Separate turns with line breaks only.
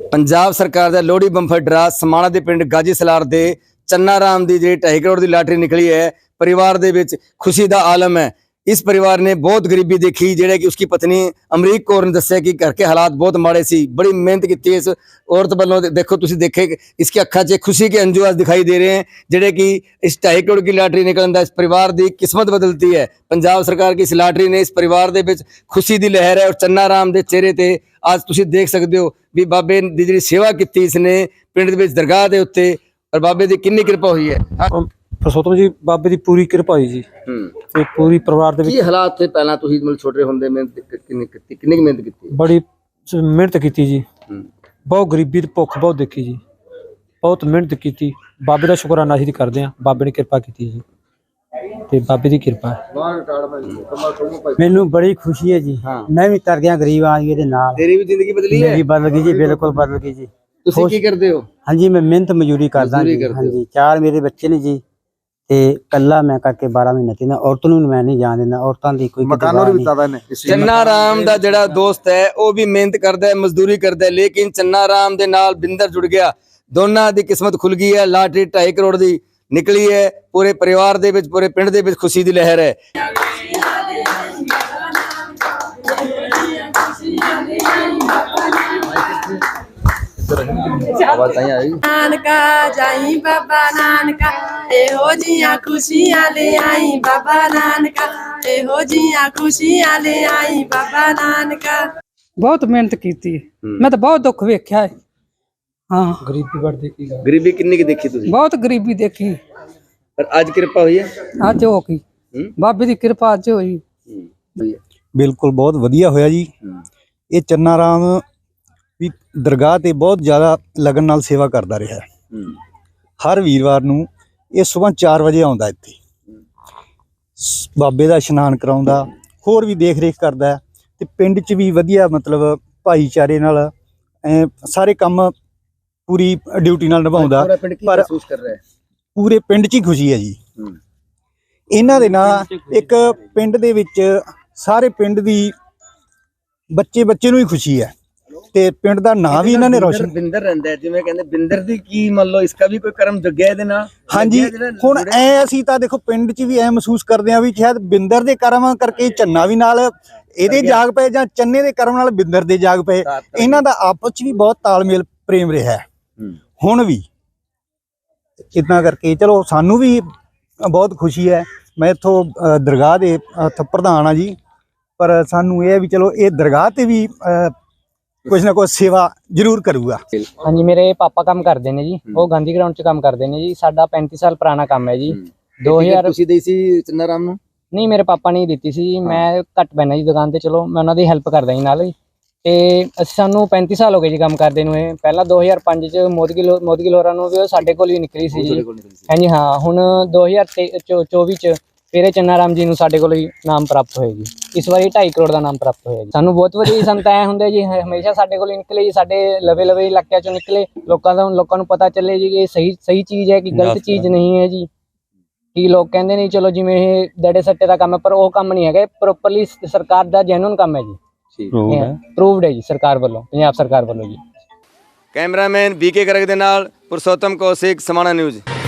पंजाब सरकार का Lohri bumper draw समाणा के पिंड गाजी सलार के चन्ना राम की जी 2.5 करोड़ की लाटरी निकली है। परिवार दे विच खुशी का आलम है। इस परिवार ने बहुत गरीबी देखी, जेड़े कि उसकी पत्नी अमरीक कौर ने दस्सिया कि घर के हालात बहुत माड़े सी। बड़ी मेहनत की इस औरत वालों, देखो तुसीं देखे इसकी अखा च खुशी के अंजू आज दिखाई दे रहे हैं, जेड़े कि इस 2.5 करोड़ की लाटरी निकलने का इस परिवार की किस्मत बदलती है। पंजाब सरकार की इस लाटरी ने इस परिवार के विच खुशी की लहर है और चन्ना राम के चेहरे ते आज तुसीं देख सकते हो भी बाबे दी जिहड़ी सेवा की इसने पिंड दे विच दरगाह के उत्ते और बाबे की कितनी कृपा हुई है।
परसोत्तम जी बाबे की पूरी कृपा हुई जी ते पूरी परिवार दे
की हालात थे पहला तुसीं मतलब छोटे होंदे मेहनत कितनी मेहनत की
बड़ी मेहनत की जी। बहुत गरीबी ते भुख बहुत देखी जी, बहुत मेहनत की। बाबे का शुकराना असीं करदे हां, बाबे ने कृपा की जी ते बाबे की कृपा है।
मैनू बड़ी खुशी है जी। मैं भी तर गया गरीब आदमी दे नाल।
तेरी भी जिंदगी बदली है?
मेरी बदल गई जी, बिल्कुल बदल गई जी।
तुसीं की करदे हो?
हाँ जी, मैं मेहनत मजदूरी करदा जी। हाँ जी, 4 मेरे बच्चे ने जी ते कल्ला मैं करके 12 महीने ते ना औरतों नूं मैं नहीं जान देना। औरतां दी कोई
मकानों भी बतादा ने। चन्ना राम दा जेड़ा दोस्त है वो भी मेहनत करदा है, मजदूरी करदा है, लेकिन चन्ना राम दे नाल बिंदर जुड़ गया। दोनों दी किस्मत खुल गई है। लाटरी 2.5 करोड़ दी निकली है। पूरे परिवार दे विच, पूरे पिंड दे विच खुशी दी लहर है।
नानका जाई बाबा नानका एहो जिया खुशियां ले आई बाबा नानका एहो जिया खुशियां ले आई बाबा नानका।
बहुत मेहनत की मैं तो बहुत दुख वेख्या है। हाँ,
गरीबी बड़ देखी,
गरीबी कितनी की देखी तुसीं?
बहुत गरीबी देखी
पर आज कृपा हुई है।
अज हो गई बाबे की कृपा अज हुई।
बिल्कुल बहुत वधिया होया जी। ये चन्ना राम भी दरगाह ते बहुत ज़्यादा लगन नाल सेवा करता रहा है। हर वीरवार नूं ये सुबह 4 बजे आउंदा इत्थे, बाबे दा इशनान कराउंदा, होर भी देख रेख करदा ते पिंड च भी वधिया मतलब भाईचारे नाल सारे काम पूरी ड्यूटी नाल निभाउंदा। पर पूरे पिंड च ही खुशी है जी। इन्हां दे नाल एक पिंड दे विच सारे पिंड दी बच्चे बच्चे नूं ही खुशी है ते पिंड दा नाम भी इन्हां ने रोशन।
बिंदर रहिंदा है जिवें कहंदे बिंदर दी की मान लो इसका भी कोई कर्म जग्या इहदे नाल।
हाँ जी, हुण ऐ असीं तां देखो पिंड च भी ऐ महसूस करदे आ भी शायद बिंदर दे कर्म करके चन्ना भी नाल इहदे जाग पए जां चन्ने दे कर्म नाल बिंदर दे जाग पए। इन्हां दा आपस च भी बहुत तालमेल प्रेम रहा है हुण भी। इतना करके चलो सानू भी बहुत खुशी है। मैं इत्थों दरगाह दे प्रधान हाँ जी, पर सानू ये भी चलो ये दरगाह ते भी कुछ ना कुछ सेवा जरूर करूगा।
हाँ जी, मेरे पापा काम करते हैं जी, वो गांधी ग्राउंड च काम करते हैं जी। साडा 35 साल पुराना काम है जी। 2000
ਤੁਸੀਂ ਦੇਈ ਸੀ ਚੰਨਾ ਰਾਮ ਨੂੰ?
नहीं मेरे पापा ने दी सी, मैं घट पैना जी दुकान ते। चलो मैं उन्होंने हैल्प करदा जी नाल। ते सानू 35 साल हो गए जी काम करदे नूं। पहला 2005 च मोदगी लोरा नूं भी साडे कोल ही निकली सी जी। हाँ जी हाँ, हुण 2024 च फिर चन्ना राम जी नूं साडे कोल ही नाम प्राप्त होया जी। इस बारी 2.5 करोड़ का नाम प्राप्त होया जी। सानू बहुत वधिया संत ऐ हुंदे जी, हमेशा साडे कोल निकले जी, साडे लवे लवे इलाकिਆਂ चों निकले। लोकां नूं पता चले जी कि सही चीज़ है कि गलत चीज़ नहीं है जी। कि लोग कहते नहीं चलो जिवें ये दड़े सट्टे का काम है, पर वो काम नहीं है। प्रोपरली सरकार का जैनुअन काम है जी, प्रूवड है जी सरकार वालों, पंजाब सरकार वालों जी।
कैमरामैन BK गर्ग दे नाल पुरुषोत्तम कौशिक, समाणा न्यूज़।